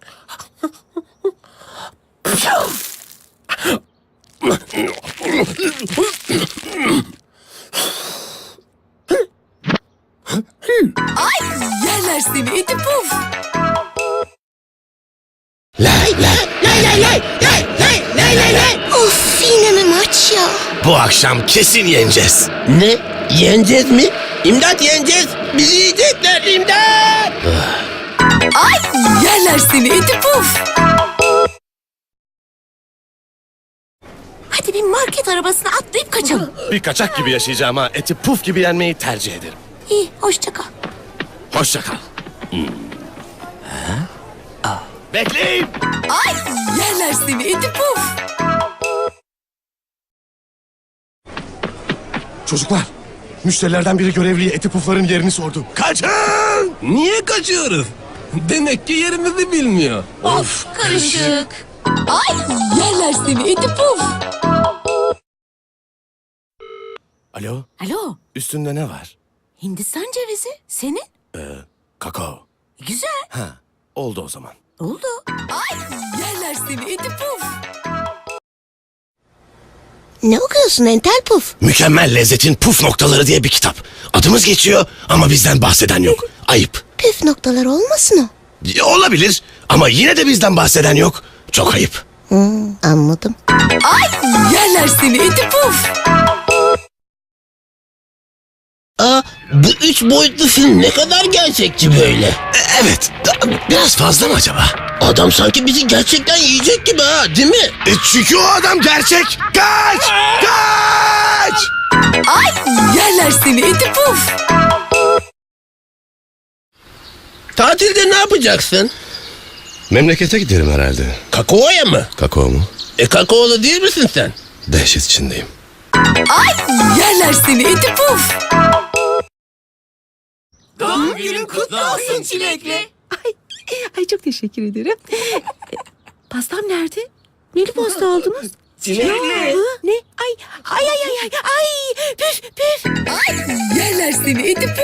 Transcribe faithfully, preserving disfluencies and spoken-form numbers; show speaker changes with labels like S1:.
S1: Ay yerler seni iti puf.
S2: Lay lay lay lay lay lay lay lay lay lay.
S3: Of yine mi maç ya?
S2: Bu akşam kesin yeneceğiz.
S4: Ne? Yeneceğiz mi? İmdat yeneceğiz. Bizi yiyecekler imdat.
S1: Ay yerler seni iti puf. Hadi bir market arabasına atlayıp kaçalım.
S2: Bir kaçak gibi yaşayacağım ha. Eti puf gibi yenmeyi tercih ederim.
S1: İyi hoşça kal.
S2: Hoşça kal. Hmm. Bekleyin.
S1: Ay yerler seni iti puf.
S2: Çocuklar, müşterilerden biri görevliye eti pufların yerini sordu. Kaçın!
S4: Niye kaçıyoruz? Demek ki yerimizi bilmiyor.
S1: Of karışık. Ay yerler seni iti puf.
S2: Alo,
S1: Alo
S2: üstünde ne var?
S1: Hindistan cevizi senin.
S2: Kakao.
S1: Güzel
S2: Ha, oldu o zaman.
S1: oldu. Ay yerler seni iti puf.
S3: Ne okuyorsun entel puf?
S2: Mükemmel lezzetin puf noktaları diye bir kitap. Adımız geçiyor ama bizden bahseden yok. Ayıp.
S3: Püf noktalar olmasın o.
S2: Ya, olabilir ama yine de bizden bahseden yok. Çok ayıp.
S3: Hmm, anladım.
S1: Ay yerler seni iti puf.
S4: Aa, bu üç boyutlu film ne kadar gerçekçi böyle.
S2: E, evet, da- biraz fazla mı acaba?
S4: Adam sanki bizi gerçekten yiyecek gibi ha, değil mi?
S2: E, çünkü o adam gerçek. Kaç! Kaç!
S1: Ay yerler seni iti puf.
S4: Tatilde ne yapacaksın?
S2: Memlekete giderim herhalde.
S4: Kakao'ya mı?
S2: Kakao mu?
S4: E kakaolu değil misin sen?
S2: Dehşet içindeyim.
S1: Ay yerler seni iti puf.
S5: Doğum günün kutlu olsun çilekli.
S6: Ay, ay çok teşekkür ederim. E, Pastam nerede? Neli pasta aldınız?
S5: Çilekli.
S6: Hı? Ne? Ay, ay, ay, ay, ay, ay, püf, püf.
S1: Ay yerler seni iti puf.